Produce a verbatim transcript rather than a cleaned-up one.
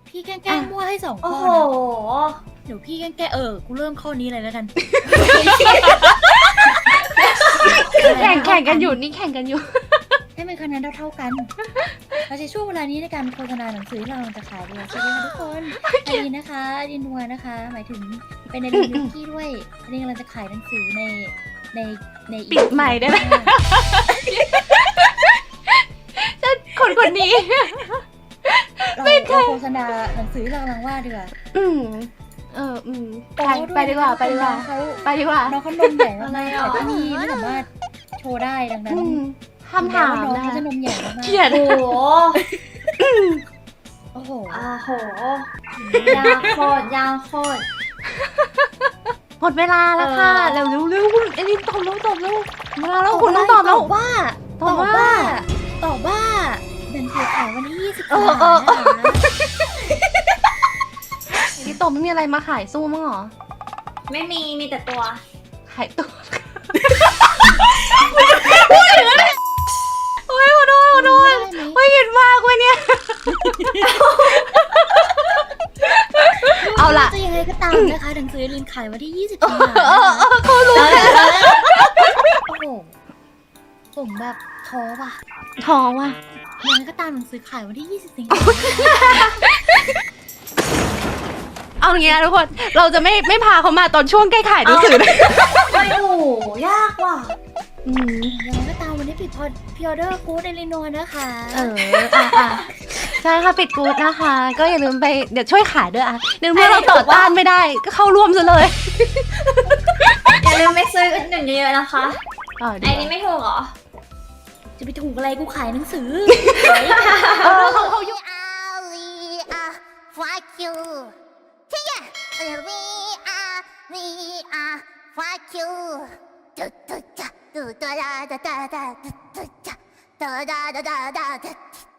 พี่แกล้งมั่วให้สองโอ้ข้อโหนะเดี๋ยวพี่แกล้งเออกูเริ่มข้อนี้เลยแล้วกันแข่งแข่งกันอยู่นี่แข่งกันอยู่ให้มันคะแนนเท่าๆกันเราใช้ช่วงเวลานี้ในการโฆษณาหนังสือที่เราจะขายด้วยสวัสดีค่ะทุกคนอันนี้นะคะดินนัวนะคะ หมายถึงเป็นในดินยูกี้ด้วยอันนี้กำลังจะขายหนังสือในในในปิดใหม่ได้ไหม คนคนนี้เราเราโฆษณาหนังสือที่เรากำลังวาดดีกว่าอืมเอออืมไปไปดีกว่าไปดีกว่าเขาไปดีกว่าน้องเขานมใหญ่มากๆแต่ที่นี่ไม่สามารถโชว์ได้ดังนั้นอืมคำถามน้องนะเขาจะนมใหญ่มากเกลียดโอ้โหโอ้โหโอ้โหยาวโคตรยาวโคตรหมดเวลาแล้วค่ะเออเร็วเร็วเร็วคุณเอลินตอบเร็วตอบเร็วเวลาแล้วคุณต้องตอบแล้วว่าตอบว่าตอบว่าหนังสือขายวันที่ยี่สิบเอสิงอเอหาอคมนะคะเอลินตอบไม่มีอะไรมาขายสู้มั้งเหรอไม่มีมีแต่ตัวขายตัวโอ้ยขอโทษขอโทษไม่เห็นมากเว้ยเนี่ย เอาล่ะจะยังไงก็ตามนะคะหนังสือลินขายวันที่ยี่สิบสิงหาเออเออเขารู้เออเออโอ้โหผมแบบท้อว่ะท้องว่ะยังไงก็ตามหนังสือขายวันที่ยี่สิบสิงหาเอาอย่างเงี้ยทุกคน เราจะไม่ไม่พาเขามาตอนช่วงใกล้ขายหนังสือนะโอ้โหยากว่ะอืมยังไงก็ตามวันนี้ปิดพอพิออเดอร์กูดในลินโนนะคะเอออ่ะอ่ะใช่ค่ะปิดกูดนะคะ ก็อย่าลืมไปเดี๋ยวช่วยขายด้วยอ่ะเดี๋ยวเมื่อเราต่อต้านไม่ได้ก็เข้าร่วมซะเลยอย่าลืมไปซื้อหนึ่งเยอะๆนะคะเออไอ้นี่ไม่ถูกเหรอจะไปถูกอะไรกูขายหนังสือเออเขาเขายุ่ง Ali, ah, fuck you. Yeah, we are, we are, fuck you. Do do da, do da da da da da, do do da, da da da da da.